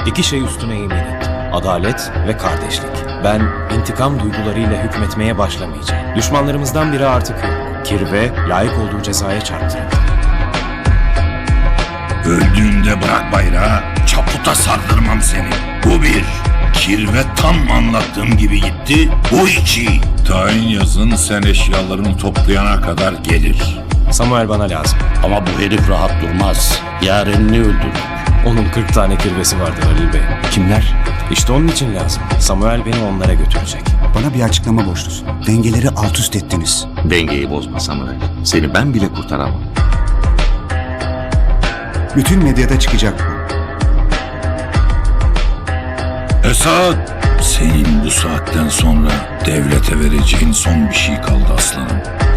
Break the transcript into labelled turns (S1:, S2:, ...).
S1: İki şey üstüne yemin ettim. Adalet ve kardeşlik. Ben intikam duygularıyla hükmetmeye başlamayacağım. Düşmanlarımızdan biri artık yok. Kirve layık olduğu cezaya çarptırıldı.
S2: Öldüğünde bırak bayrağı, çaputa sardırmam seni. Bu bir. Kirve tam anlattığım gibi gitti. Bu iki. Tayin yazın sen eşyalarını toplayana kadar gelir.
S1: Samuel bana lazım.
S3: Ama bu herif rahat durmaz. Yarenini öldürdü.
S1: Onun 40 tane kirvesi vardır Halil Bey.
S4: Kimler?
S1: İşte onun için lazım. Samuel beni onlara götürecek.
S4: Bana bir açıklama borçlusun. Dengeleri alt üst ettiniz.
S5: Dengeyi bozma Samuel. Seni ben bile kurtaramam.
S4: Bütün medyada çıkacak bu.
S2: Esat, senin bu saatten sonra devlete vereceğin son bir şey kaldı aslanım.